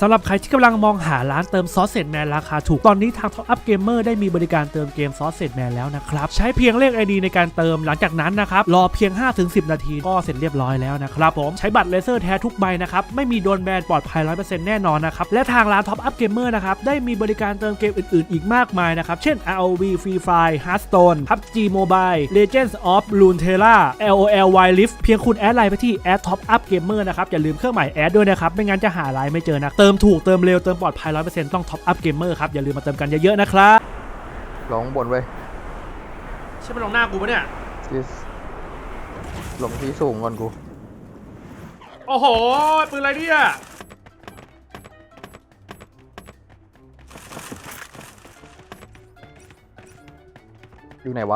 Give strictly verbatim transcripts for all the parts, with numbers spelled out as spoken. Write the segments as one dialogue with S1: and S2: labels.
S1: สำหรับใครที่กำลังมองหาร้านเติมซอสเซจแมนราคาถูกตอนนี้ทาง Top Up Gamer ได้มีบริการเติมเกมซอสเซจแมนแล้วนะครับใช้เพียงเลข ไอ ดี ในการเติมหลังจากนั้นนะครับรอเพียง ห้าถึงสิบ นาทีก็เสร็จเรียบร้อยแล้วนะครับผมใช้บัตรเลเซอร์แท้ทุกใบนะครับไม่มีโดนแบนปลอดภัย ร้อยเปอร์เซ็นต์ แน่นอนนะครับและทางร้าน Top Up Gamer นะครับได้มีบริการเติมเกมอื่นๆอีกมากมายนะครับเช่น อาร์ โอ วี Free Fire Hearthstone พับจี Mobile Legends of Runeterra แอล โอ แอล Wild Rift เพียงคุณแอดไลน์ไปที่ แอด Top Up Gamer นะครับอย่าลืมเครื่องหมายแอดด้วยนะครับไม่งั้นจะหาไลน์ไม่เจอนะเติมถูกเติมเร็วเติมปลอดภัย ร้อยเปอร์เซ็นต์ ต้อง Top Up Gamer ครับอย่าลืมมาเติมกันเยอะๆนะครับ
S2: ลงบนไว้
S1: ใช่ไหมลงหน้ากูปะเนี่ย
S2: ลงที่สูงก่อนกู
S1: โอ้โหปืนอะไรเนี่ย
S2: อยู่ไหนวะ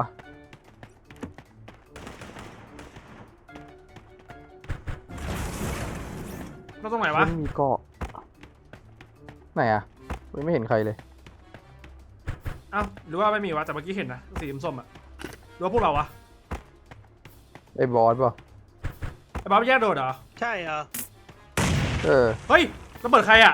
S1: เราตรงไหนวะ
S2: ไม่มีเกาะไหนอะไม่เห็นใครเลย
S1: อ้าวหรือว่าไม่มีวะแต่เมื่อกี้เห็นนะสีส้มๆอะหรือว่าพวกเราวะ
S2: ไอ้บอสป่ะ
S1: ไอ้บ้าแยกโดดเหรอ
S3: ใช่เหรอ
S2: เออ
S1: เฮ้ยระเบิดใครอะ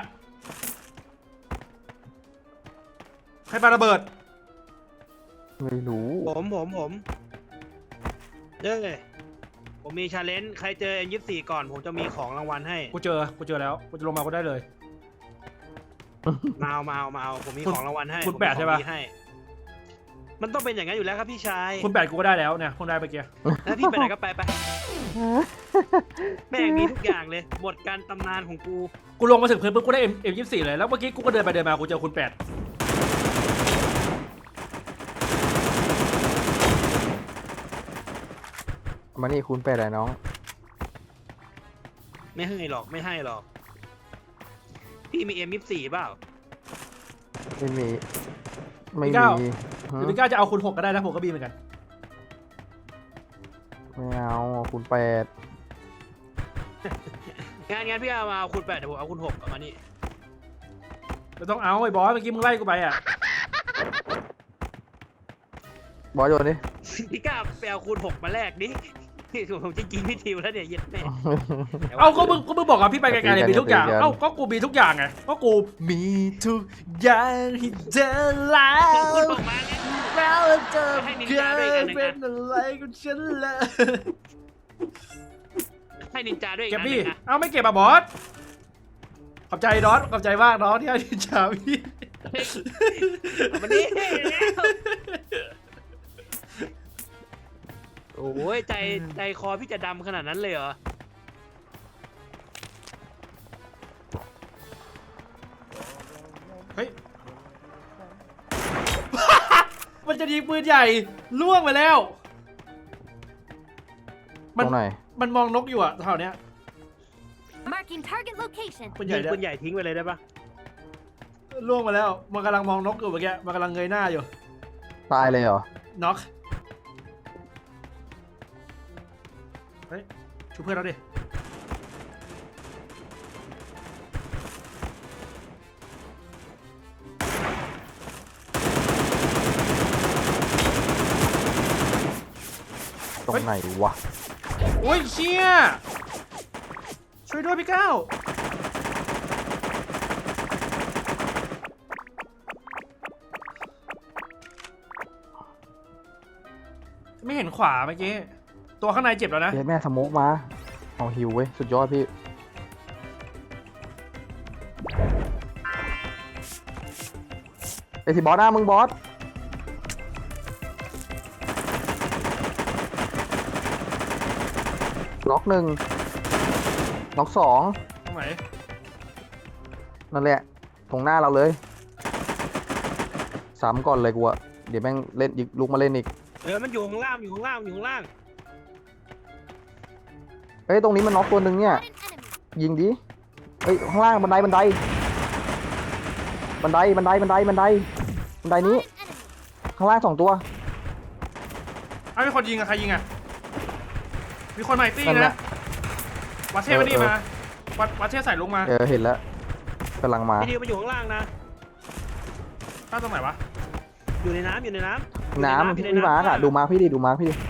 S1: ใครปาระเบิด
S2: ไม่รู้
S3: ผมผมผมเด้อผมมีชาเลนจ์ใครเจอ เอ็ม ยี่สิบสี่ ก่อนผมจะมีของรางวัลให้
S1: กูเจอกูเจอแล้วกูจะลงมาก็ได้เลย
S3: มาเอามาเอามาเอาผมมีของรางวัลให้
S1: คุณแปดใช่ปะ
S3: มันต้องเป็นอย่างนั้นอยู่แล้วครับพี่ชาย
S1: คุณแปดกูก็ได้แล้วเนี่ยคุณได้เมื่อกี้
S3: แล้วพี่ไปไหนก็ไปไปแม่งมีทุกอย่างเลยบทการตำนานของกู
S1: กูลงมาถึงพื้นปุ๊บกูได้ เอ็ม ยี่สิบสี่ เลยแล้วเมื่อกี้กูก็เดินไปเดินมากูเจอคุณแปด
S2: มานี่คุณแปดอะไรน้อง
S3: ไม่ให้หรอกไม่ให้หรอกพี่มี เอ็ม ยี่สิบสี่ เปล่า
S2: ไม่มีไม่มี
S1: หรือพี่ก้าจะเอาคุณหกก็ได้นะผมก็มีเหมือนกัน
S2: ไม่เอาคุณแปด
S3: งานงานพี่เอามาเอาคุณแปดเดี๋ยวผมเอาคุณหกเอามานี่
S1: ไม่ต้องเอาไอ้บอสเมื่อกี้มึงไล่กูไปอ่ะ
S2: บอสโยนดิ
S3: พี่ก้าไปเอาคุณหกมาแลกดิผมจะกินพี่ทิวแล้วเนี่ยเย็ดแม่
S1: เอาก็มึงก็มึงบอกอ่ะพี่ไปไกลๆเลยมีทุกอย่างเอ้าก็กูมีทุกอย่างไงก็กูมีทุกอย่างที่เจอแล้วแล้วเจอเคยเป็นอะไรกับฉันเลย
S3: ให้นินจาด้วย
S1: เก็บพี่เอาไม่เก็บอ่ะบอสขอบใจดอสขอบใจมากน้องที่ให้นินจาพี่
S3: วันนี้โอ้ยใจใจคอพี่จะดำขนาดนั้นเลยเหรอ
S1: เฮ้ยมันจะยิงปืนใหญ่ล่วงไปแล้ว
S2: มัน
S1: มันมองนกอยู่อะแถวเนี้ย
S3: ปืนใหญ่ปืนใหญ่ทิ้งไปเลยได้ปะ
S1: ล่วงมาแล้วมันกำลังมองนกอยู่เมื่อกี้มันกำลังเงยหน้าอยู่
S2: ตายเลยเหรอ
S1: น็อกเฮ้ยช่วยเพื่อนเราดิ
S2: ตรงไหนวะ
S1: โอ้ยเชี่ยช่วยด้วยพี่ก้าวไม่เห็นขวาเมื่อกี้ตัวข้างในเจ็บแล้วนะ
S2: เดี๋ยวแม่สโมกมาเอาฮิวเว้ยสุดยอดพี่ไอที่บอสหน้ามึงบอสล็อกหนึ่งล็อกสอง
S1: ตรงไหน
S2: นั่นแหละตรงหน้าเราเลยซ้ำก่อนเลยกูอะเดี๋ยวแม่งเล่นยิงลุกมาเล่นอีก
S3: เออมันอยู่ข้างล่างอยู่ข้างล่างอยู่ข้างล่าง
S2: เฮ้ยตรงนี้มันน็อกตัวหนึ่งเนี่ยยิงดิเฮ้ยข้างล่างบันไดบันไดบันไดบันไดบันไดบันไดบันไดนี้ข้างล่างสองตัว
S1: อ้าวมีคนยิงอะใครยิงอะมีคนใหม่ตี้นะวัดเทพมานี่มาวัดวัดเทพใส่ลงมา
S2: เออเห็นแล้วกำลังมา
S3: พี่ดิวมาอยู่ข้างล่างนะ
S1: ตั้งตรงไหนวะ
S3: อยู่ในน้ำอยู่ในน้
S2: ำน้ำพี่มาร์กอะดูมาร์กพี่ดิดูมาร์กพี่ดิ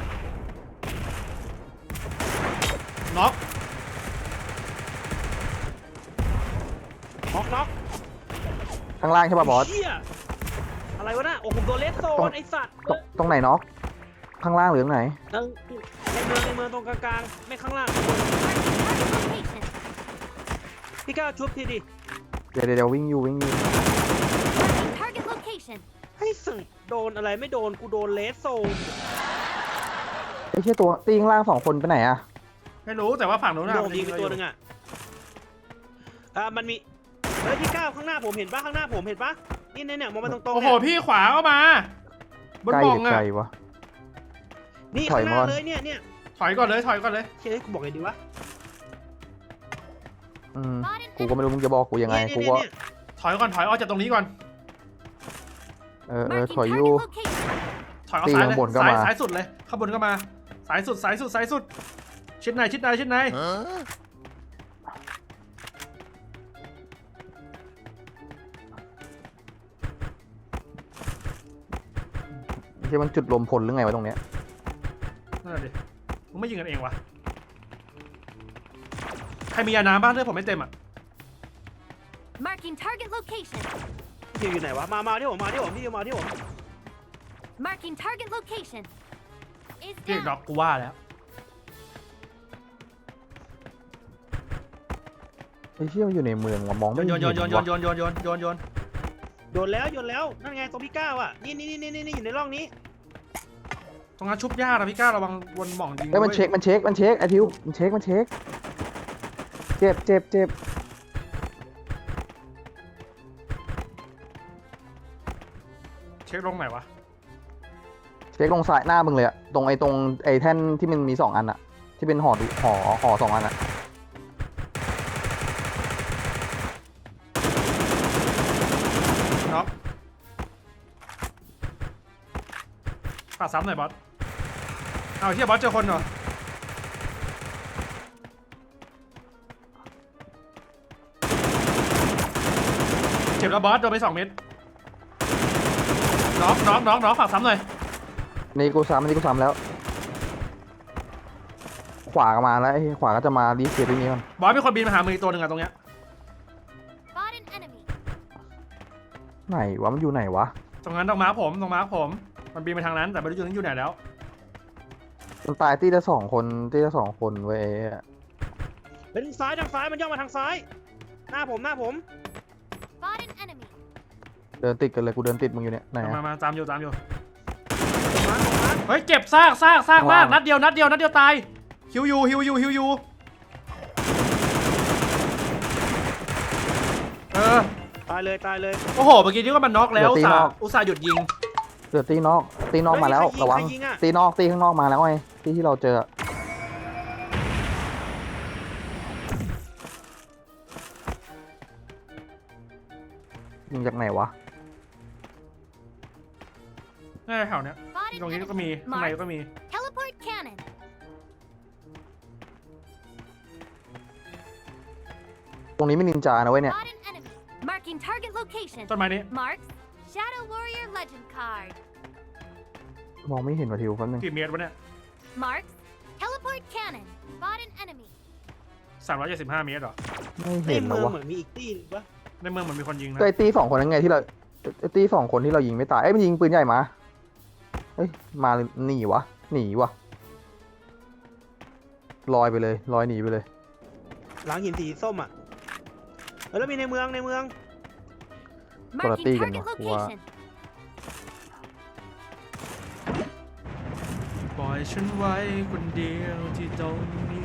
S1: น็อก
S3: น็อกน็อก
S2: ข้างล่างใช่ป่ะบอส
S3: เหี้ยอะไรวะน่ะโอ้ผมโดนเลสโซ
S2: ตรง
S3: นไอสัตว์
S2: ตรงตรงไหนน็อกข้างล่างหรือตรงไหน
S3: ในในเมืองในเมืองตรงกลางๆไม่ข้างล่าง
S4: Location.
S3: พี่ก้าวชุบทีดิ
S2: เดี๋ยวเดี๋ยวเดี๋ยววิ่งอยู่วิ่งอยู่
S4: Target location.
S3: ให้สึกโดนอะไรไม่โดนกูโดนเลสโซน
S2: ไม่ใช่ตัวตีข้างล่างสองคนไปไหนอะ
S1: ไม่รู้แต่ว่าฝั่งนู้น
S3: โด
S1: น่ะ
S3: นยิงไปตัวหนึ่งอ่ะอ่ามันมีเฮ้ยพี่ก้าวข้างหน้าผมเห็นปะข้างหน้าผมเห็นปะนี่เนี่ยเนี่ยมองมาตรงๆ
S1: โอ้โห
S3: เนี่ย
S1: พี่ขวาเข้ามาบน
S2: ใกล้
S1: บ่
S2: ห
S1: อง
S2: รือ
S1: อะ
S2: ไกลวะ
S3: นี่
S2: ถอ
S3: ข้าย งห
S2: มา
S3: น้า
S2: ก่อน
S3: เลยเนี่ยเนี่ย
S1: ถอยก่อนเลยถอยก่อนเลย
S3: เฮ้ยกูบอกไงดีวะ
S2: อืมกูก็ไม่รู้มึงจะบอกกูยังไง
S3: เนี่ย
S2: กู
S3: เนี่ย
S2: ก็
S3: เนี่ย
S1: ถอยก่อนถอยออกจากตรงนี้ก่อน
S2: เออเออ
S4: Marking
S2: ถอยอยู่
S4: target location.
S1: ถอยเอา
S2: ตี
S1: ซ้ายเล
S2: ข้าย งบนก็
S1: ซ้าย
S2: มา
S1: ซ้ายสุดเลยข้างบนก็มาสายสุดสายสุดสายสุดชิดในชิดในชิดใน
S2: ไม่ใช่มันจุดรวมพลหรือไงวะตรงเนี้ย
S1: นั่นแหละดิมึงไม่ยิงกันเองวะใครมียาน้ำบ้างเลือดผมไม่เต็มอ่ะ
S4: Marking target location.
S3: พี่อยู่ไหนวะมามาที่ผมมาที่ผมพี่มาที่ผม
S4: Marking target location. Is
S1: พี่ด็อก
S4: down.
S1: กูว่าแล้ว
S2: ไอ้เชี่ยมันอยู่ในเมืองว่ะมองไม่
S1: โย
S2: เห็
S1: น
S2: น
S1: โยนโยนโยน
S2: ว่ะ
S1: โยนโยนโยนโยนโยน
S3: โยนแล้วโยนแล้วนั่นไงตรงพี่ก้าวอ่ะนี่นี่นี่นี่นี่อยู่ในร่องนี้
S1: ตรงนั้นชุบยากนะพี่ก้าระวังวนหม่องยิง
S2: เอ้ยมัน
S1: ว้
S2: เช็คมันเช็คมันเช็คไอทิวมันเช็คมันเช็คเจ็บเจ็บเจ็บ
S1: เช็คลงไหนวะ
S2: เช็คลงซ้ายหน้ามึงเลยอะตรงไอ้ตรงไอ้แท่นที่มันมีสองอันอะที่เป็นห่อดูห่อห่อสองอันอะ
S1: น็อกปาดซ้ำหน่อยบอสเอาเฮียบอสเจอคนเหรอเจ็บแล้วบอสโดนไปสองเม็ดน็อกน็อกน็อกน็อกฝากซ้ำหน่อย
S2: นี่กูซ้ำนี่กูซ้ำแล้ว ขวาก็มาแล้วไอ้ขวาก็จะมารีเซ็ตตรงนี้ก่อน
S1: บอสมีคนบินมาหามืออกตัวหนึ่งอะตรงเนี้ย
S4: Spot an enemy.
S2: ไหนวะมันอยู่ไหนวะ
S1: ตรงนั้นตรงม้าผมตรงม้าผมมันบินไปทางนั้นแต่ไม่รู้อยู่นั้นอยู่ไหนแล้ว
S2: มันตายตีละสองคนตีละสองคนเว้ย
S3: เป็นซ้ายทางซ้ายมันย่องมาทางซ้าย หน้าผมหน้าผม
S4: Spot an enemy.
S2: เดินติดกันเลยกูเดินติดมึงอยู่เนี่ยไหน
S1: มา
S2: อะ
S1: มาตามอยู่ตามอยู่
S3: มามา
S1: เฮ้ยเจ็บซากซากซากมาก
S2: ข้างล่าง
S1: นัดเดียวนัดเดียวนัดเดียวตายฮิวยูฮิวยูฮิวยูเออ
S3: ตายเลยตายเลย
S1: โอ้โหเมื่อกี้นี่ว่ามันน็อกแล้วอุตส่าห์อุตส่าห์หยุดยิง
S2: เดือดตีนอกตีนอกมาแล้ว
S3: เฮ้ยใครยิง
S2: ระวัง
S3: ใครยิงอะ
S2: ตีนอกตีข้างนอกมาแล้วไงตีที่เราเจอยิงจากไหนวะ
S1: นี่แถวเนี้ย
S4: Spot
S1: ตรง
S4: an
S1: นี้ก็มี
S4: enemy.
S1: ข้างในก็
S4: Mark.
S1: มี
S4: Teleport cannon.
S2: ตรงนี้ไม่นินจานะเว้ยเนี่ย
S4: Spot an enemy. Marking target location.
S1: ต้นไม้นี้
S4: Marks. Shadow Warrior Legend card.
S2: มองไม่เห็นว่ะทิวแป๊บนึง
S1: กี่เมตรวะเนี่ย
S4: Marks. Teleport cannon. Spot an enemy.
S1: สามร้อยเจ็ดสิบห้าเมตรเหรอ
S2: ไม่
S3: ใน
S2: เห็น
S3: เมื
S2: แล้ว
S3: อง
S2: วะ
S3: เหมือนมีอีกที่หนึงปะ
S1: ในเมืองมันมีคนยิงนะ
S2: ก็ไอตีสองคนนั้นไงที่เราไอตีสองคนที่เรายิงไม่ตายเอ้ยมันยิงปืนใหญ่มาเฮ้ยมาหนีวะหนีวะลอยไปเลยลอยหนีไปเลย
S3: หลังหินสีส้มอ่ะเออแล้วมีในเมืองในเมือง
S4: Marking
S2: Quality
S4: target
S2: ganun, kuha.
S4: location.
S1: ปล่อยฉันไว้คนเดียวที่ตรงนี้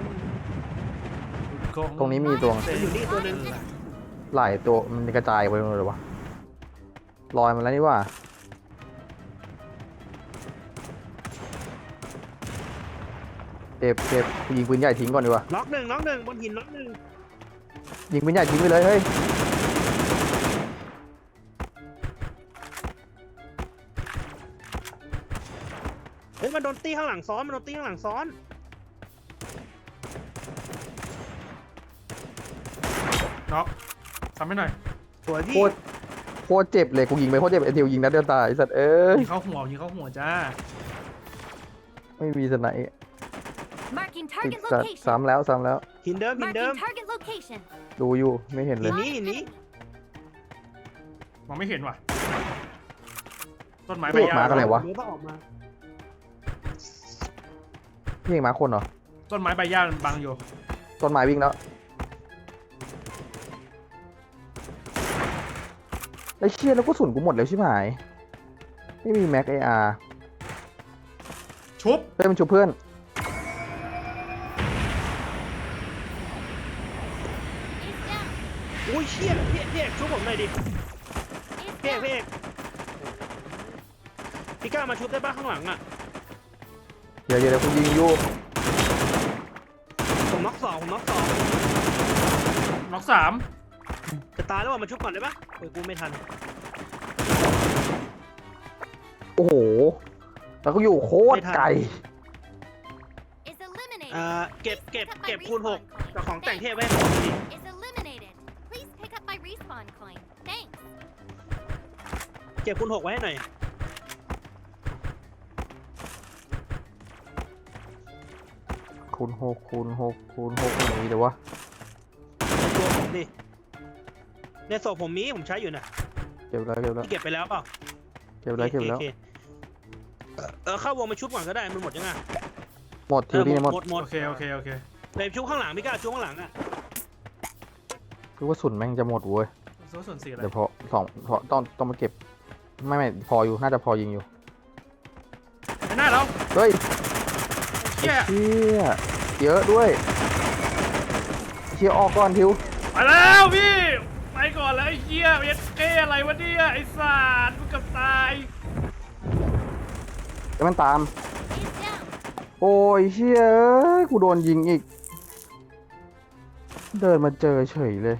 S2: ตรงนี้มีตัว
S3: มันอยู่นี่ตัวหนึง
S2: หลายตัวมันกระจายไปหมดเลยวะลอยมาแล้วนี่ว่าเจ็บเจ็บยิงปืนใหญ่ทิ้งก่อนดีกว่า
S3: น็อกหนึ่งน็อกหนึ่งบนหินน็อกหนึ่ง
S2: ยิงปืนใหญ่ทิ้งไปเลยเฮ้ย
S3: เฮ้ยมันโดนตีข้างหลังซ้อนมันโดนตีข้างหลังซ้อน
S1: น็อกทำให้หน่อย
S3: สวย
S2: โค
S3: พี่
S2: ตรโคตรเจ็บเลยกูยิงไปโคตรเจ็บไอทิวยิงนัดเดียวตายไอ้สัตว์เอ้ย
S1: ยิงเข้าหัวยิงเข้าหัวจ้า
S2: ไม่มีสไนป์
S4: Marking
S2: ติด
S4: target
S2: สัตว์
S4: location.
S2: ซ้ำแล้วซ้ำแล้ว
S3: หินเดิมหินเดิม
S4: Marking target location.
S2: ดูอยู่ไม่เห็นเลย
S3: หินนี้หินนี้
S1: มองไม่เห็นว่ะต้นไม้ใบ
S2: เรียก
S1: หญ้า
S2: หมากันไหนวะ
S3: เดี๋ยวต้องออกมา
S2: พี่เองมาคนเหรอ
S1: ต้นไม้ใบหญ้ามันบังอยู่
S2: ต้นไม้วิ่งแล้วไอ้เชี่ยแล้วก็สุนกูหมดแล้วใช่ไหมไม่มีแม็กไออาร์
S1: ชุบ
S2: เพื่อนมันชูเพื่อน
S4: Is down.
S3: อุ้ยเชี่ยพี่พี่เอกชุบผมหน่อยดิ
S4: Is
S3: พี่เอก
S4: down.
S3: พี่เอกพี่กล้ามาชุบได้ป่ะข้างหลังอ่ะ
S2: เดี๋ยวเดี๋ยวเดี๋ยวกูยิงอยู่
S3: ผมน็อกสองผมน็อกสอง
S1: น็อกสาม
S3: จะตายแล้วว่ามาชุบก่อนได้ป่ะโอ้ยกูไม่ทัน
S2: โอ้โหแล้วก็อยู่โคตรไกล
S4: Is eliminated.
S3: อ่าเก็บ
S4: Please
S3: เก็บ
S4: pick up my
S3: เก็บคูณหก
S4: respawn coin.
S3: กับของแต่งเทพ
S4: Thanks.
S3: ไว้ให้ผมดิ
S4: Is eliminated. Please pick up my respawn coin. Thanks.
S3: เก็บคูณหกไว้ให้หน่อย
S2: คูณหกคูณหกคูณหกไหนเดี๋ยววะ
S3: ในตัวผมดิในศพผมมีผมใช้อยู่นะ
S2: เก็บแล้วเก็บแล้ว
S3: พี่เก็บไปแล้วเปล่า
S2: เก็บแล้วเก็บแล้ว
S3: โอคเออเข้าวงมาชุบก่อนก็ได้มันหมดยังไง
S2: หมดทิวนี่หมด
S3: หมดหมด
S1: โอเคโอเคโอเค
S3: เลยชุบข้างหลังพี่กล้าชุบข้างหลังอ่ะ
S2: คือว่าสุนแม่งจะหมดเว้ย
S1: ส่วนส่วนสี่อะไร
S2: เดี๋ยวพอสองพอต้องต้องมาเก็บไม่ไม่พออยู่น่าจะพอยิงอยู่
S1: ไอ้หน้าเรา
S2: เฮ้ย
S1: เชี่ย
S2: เชี่ยเยอะด้วยเชี่ยออกก่อนทิว
S1: ไปแล้วพี่ไปก่อนแล้วไอ้เหี้ยเอสเออะไรวะเนี่ยไอ้สัตว์มึงกับตาย
S2: เดี๋ยวมันตาม
S4: Is down.
S2: โอ้ยเชี่ยเอ้ยกูโดนยิงอีก เดินมาเจอเฉยเลย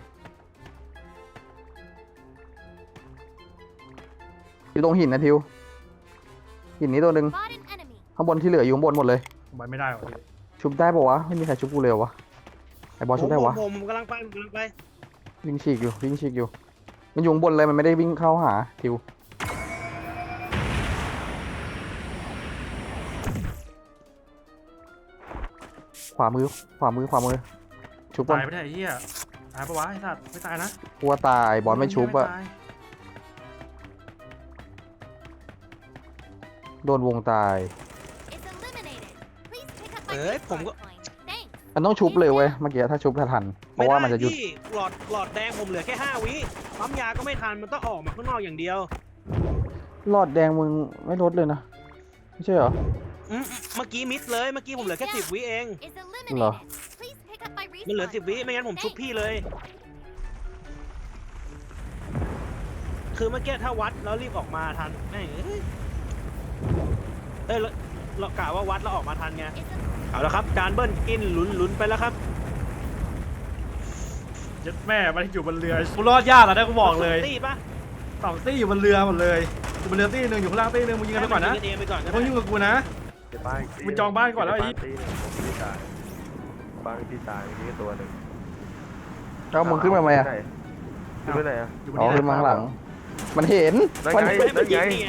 S2: อยู่ตรงหินนะทิวหินนี้ตัวหนึ่ง
S4: Spot an enemy.
S2: ข้างบนที่เหลืออยู่ข้างบนหมดเลย
S1: ไปไม่ได้ว่ะพี่
S2: ชุบได้ปะวะไม่มีใครชุบกูเลยวะไอบอลชุบได้วะ
S3: ผมผมผมกำลังไปผมกำลังไป
S2: วิ่งฉีกอยู่วิ่งฉีกอยู่มันอยู่ข้างบนเลยมันไม่ได้วิ่งเข้าหาทิวขวามือขวามือขวามือชุบก่อน
S1: ตายไม่ได้ไอ้เหี้ยตายปะวะไอ้สัตว์ไม่ตายนะ
S2: กลัวตายบอลไม่ชุบอะ
S1: ตาย
S2: โดนวงตาย
S4: Is eliminated. Please pick up my
S3: เอ้ยผมก็
S4: respawn coin. Thanks.
S2: มันต้องชุบเลยเว้ยเมื่อกี้ถ้าชุบทันเพ
S3: ไม่
S2: ราะว่า
S3: ได้
S2: มันจะหยุด
S3: พี่หลอดหลอดแดงผมเหลือแค่ห้าวิปั๊มยาก็ไม่ทันมันต้องออกมาข้างนอกอย่างเดียว
S2: หลอดแดงมึงไม่ลดเลยนะไม่ใช่เหรอ
S3: อืมเมื่อกี้มิดเลยเมื่อกี้ผมเหลือแค่สิบวิเอง
S4: Is eliminated.
S2: Loh.
S4: Please pick up my respawn
S3: มันเหลือสิบวิ
S4: coin.
S3: ไม่งั้นผมชุบ
S4: Thanks.
S3: พี่เลย คือเมื่อกี้ถ้าวัดแล้วรีบออกมาทันแม่งเอ้ยเอ้ยเราเรากะว่าวัดแล้วออกมาทันไง
S4: Is el-
S3: เอาละครับจานเบิ้ลกินหลุนหลุนไปแล้วครับ
S1: ยัดแม่มันอยู่บนเรือกูรอดยากแล้วนะกูบอกเลย
S3: ตีปะ
S1: สองตี้อยู่บนเรือหมดเลยอยู่บนเรือตี้หนึ่งอยู่ข้างล่างตี้หนึ่งมึงยิงกันไปก่อนนะ
S3: ให้มัยิงเองไปก่อนก็
S1: มึง
S3: ได้
S1: ยุ่งกับกูนะ มึงจองบ้านก่อนแล้วไอ้
S5: ตีหนึ่งผมไม่ได้ตายบ้านที่ตายมีแค่ตัวหนึ่ง
S2: แล้วมึงขึ้นมาไหมอะ
S5: ขึ้นไปไหนอะ
S1: อยู่บน
S2: อ๋อ
S1: นี้
S2: ขึ้นมาข้างหลัง มันเห็น
S5: นั่น
S2: มัน
S5: ไง
S3: ไม่มันยิงนี่ไง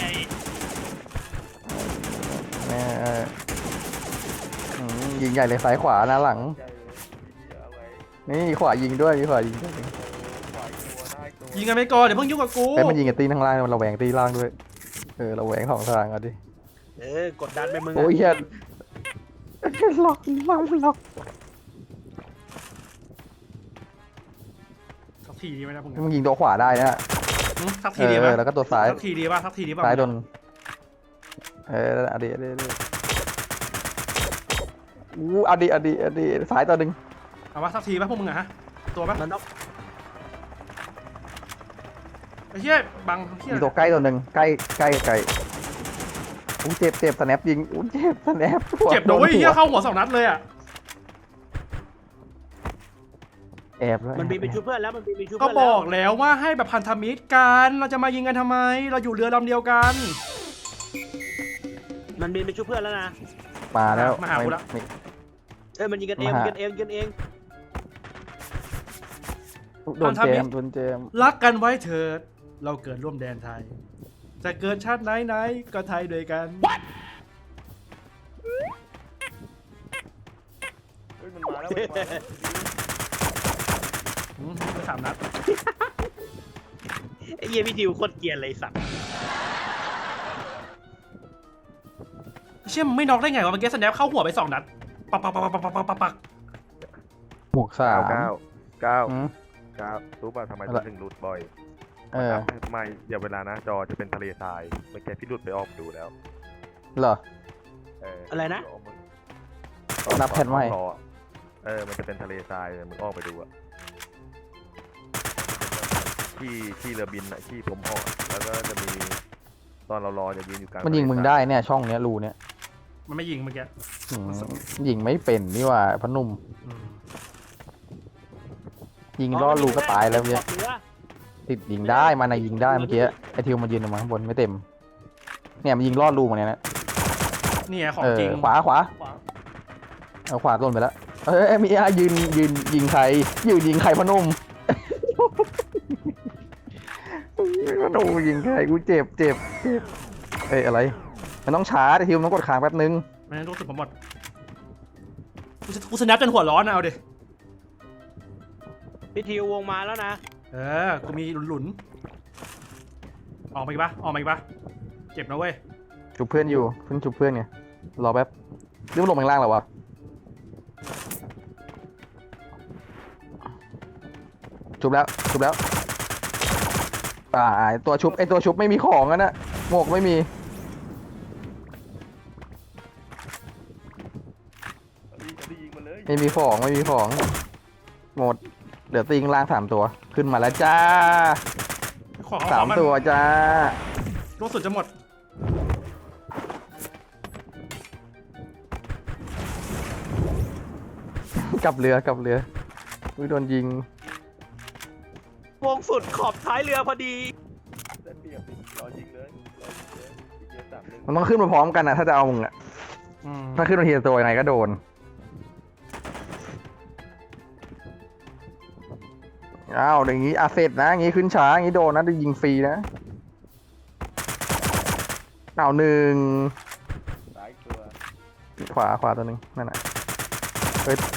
S2: แม่เอออืมยิงใหญ่เลยซ้ายขวาหน้าหลัง นี่ขวายิงด้วยมีขวายิงด้วย
S1: ยิงกันไปก่อนเดี๋ยวเพิ่งยุ่งกับกู
S2: เอ้ยมันยิงกับตีข้างล่างมันระแวงตีล่างด้วยเออระแวงสองทางอ่ะดิ
S3: เออกดดันไปมึงอะ
S2: โอ้ยเฮียล็อกล็อกล็อก
S1: สักทีดีไหมนะพวก
S2: มึงยิงตัวขวาได้นะ
S1: อืมสัก
S2: เอ
S1: ทีดีไหม
S2: อแล้วก็ตัวซ้าย
S1: สักทีดีป่ะสักทีดีป่ะ
S2: ซ้ายโดนเออเอาดิเอาดิเอาดิอู้เอาดิเอาดิเอาดิซ้ายตัวหนึ่ง
S1: เอาว่าสักทีป่ะพวกมึงอะฮะตัวป่ะ
S3: มันน็อก
S1: ไอ้เหี้ยบังเหี้ย
S2: มีตัวใกล้ตัวหนึ่งใกล้ใกล้ใกล้อู้เจ็บเจ็บสแนปยิงอู้เจ็บสแนป
S1: เจ็บโดนไอ้เหี้ยเข้าหัวสองนัดเลยอะ
S2: แอบแล้ว
S3: มันบินไปชุบเพื่อนแล้วมันบินไปชุบ
S1: ก็
S3: เพื่อน
S1: บ
S3: แล้ว
S1: อกแล้วว่าให้แบบพันธมิตรกันเราจะมายิงกันทำไม เราอยู่เรือลำเดียวกัน
S3: มันบินไปชุบเพื่อนแล้วนะ
S2: มาแล้ว
S1: มาหากูละ
S2: ไม่
S3: เอ้ยมันยิงกันเอง
S2: มา
S3: ยิ
S2: หา
S3: งกันเองยิงกันเอง
S2: โดนเจมส์โดนเจมส์
S1: รักกันไว้เถิดเราเกิดร่วมแดนไทย จะเกิดชาติไหนๆก็ไทยด้วยกัน
S5: แล้วมันจะมาแล้ว
S1: อืมไปสามนัด
S3: ไอ้เหี้ยพี่ดิวโคตรเกรียนเลยสัตว์
S1: เชี่ยมึงไม่น็อกได้ไงวะเมื่อกี้สแนปเข้าหัวไปสองนัดปักปักปักปักปักปักปักปัก
S2: หมวกสา
S5: เก้าม เก้าเก้า
S2: อืม
S5: เก้ารู้ป่ะทำไม
S2: อะไร
S5: ถึงหลุดบ่อย
S2: เออ
S5: ทำไมอย่าเวลานะจอจะเป็นทะเลทรายเมื่อกี้พี่หลุดไปออกดูแล้ว
S2: เหรอ
S5: เออ
S3: อะไรนะ
S5: เดี๋ยวมึง
S2: นับแผ่นไว้
S5: รอเออมันจะเป็นทะเลทรายมึงออกไปดูอะที่ที่เรือบินอะที่ผมออกแล้วก็จะมีตอนเรารอจะยืนอยู่กลาง
S2: มันยิงมึง
S5: ทะเลท
S2: ได้
S5: ราย
S2: เนี่ยช่องเนี้ยรูเนี้ย
S1: มันไม่ยิงเมื่อกี้
S2: อืมยิงไม่เป็นนี่ว่าพอหนุ่ม
S1: อืม
S2: ยิงล่อรูก็ตายแล้วเนี่ย
S3: ขอบเรือ
S2: ติดยิงได้มันนะยิงได้เมื่อกี้ไอทิวมันยืนออกมาข้างบนไม่เต็มเนี่ยมันยิงล่อรูมาเนี่ยนะ
S1: นี่ไงของ
S2: เออ
S1: จริง
S2: ขวาขวา
S1: ขวา
S2: เอาขวาต้นไปแล้วเอ้ยมีอายืนยืนยิงใครยืนยิงใครพอหนุ่ม พอหนุ่มยิงใครกูเจ็บเจ็บเจ็บเอ้ยอะไรมันต้องช้าไอทิวมันต้องกดค้างแป๊บนึง
S1: ไม่งั้นรู้สึกผมหมดกูจะกูสแนปจนหัวร้อนนะเอาดิ
S3: พี่ดิววงมาแล้วนะ
S1: เออกูมีหลุนๆออกมาอีกปะออกมาอีกปะเจ็บนะเว้ย
S2: จุบเพื่อนอยู่เพิ่งจุบเพื่อนไงรอแป๊บเรื่องลงข้างล่างแล้ววะจุบแล้วจุบแล้วอ่าไอ้ตัวชุบไอตัวชุบไม่มีของอะนะหมวกไม่มี
S5: เอาดิเอาดิยิงมาเลย
S2: ไม่มีของไม่มีของหมดเหลือติงล่างสามตัวขึ้นมาแล้วจ้า
S1: ขอเอา
S2: สา
S1: ข
S2: ม
S1: องมัน
S2: ตัวจ้า
S1: ลูกสุดจะหมด
S2: กลับเรือกลับเรืออุ้ยโดนยิง
S3: วงสุดขอบท้ายเรือพอดี
S5: ได้เปรียบดิรอยิงเลยรอยิงเลยอีกเกมสามหนึ่ง
S2: มันต้องขึ้นมาพร้อมกันนะถ้าจะเอามึงอะ
S1: อืม
S2: ถ้าขึ้นมาทีละตัวยังไงก็โดนอ้าวอย่างงี้อาเซตนะอย่างงี้ขึ้นช้าอย่างงี้โดนนะได้ยิงฟรีนะเอาหนึ่ง
S5: ซ้ายตัว
S2: ขวาขวาตัวหนึ่งนั่นแหละเฮ้ย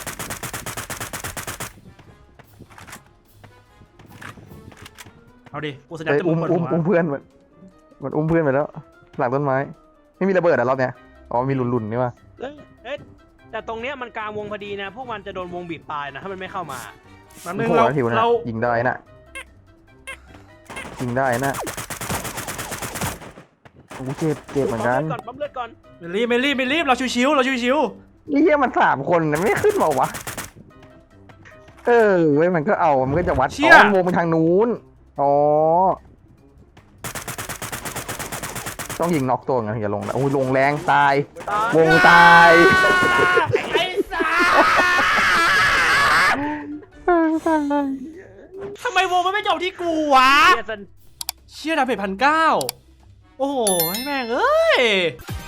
S1: เอาดิกูสแนป
S2: เอ้ย
S1: จนมึ
S2: อุ้
S1: ง
S2: ม
S1: ปวด
S2: อุ้ม
S1: หัว
S2: อุ้มเพื่อนมันมันอุ้มเพื่อนไปแล้ว หลังต้นไม้ ไม่มีระเบิดอ่ะรอบเนี้ยอ๋อมีหลุนๆนี่ว่ะ
S3: เอ้ยเอ๊ะแต่ตรงเนี้ยมันกลางวงพอดีนะ พวกมันจะโดนวงบีบตายนะ ถ้ามันไม่เข้ามา
S1: แป๊บนึง
S2: โห
S1: เรา
S2: ทิวนะ
S1: เรา
S2: ยิงได้นะยิงได้นะโอ้เจ็บเจ็บเหมือนกัน
S3: ปั๊มเลือดก่อน
S1: ไม่รีบไม่รีบไม่รีบเราชิวๆเราชิว
S2: นี่เหี้ยมันสามคนนะไม่ขึ้นมาวะเออเว้ยมันก็เอามันก็จะวัดอ๋อมันวงไปทางนู้นอ๋อต้องยิงน็อกตัวไงถึงจะลงนะโอ้ยลงแรงตาย วงตาย
S1: ๆไอ้สัสทำไมวงมันไม่จบที่กูวะ
S3: เฮียสัน
S1: เชี่ยดาเมจพันเก้าโอ้โหให้แม่งเอ้ย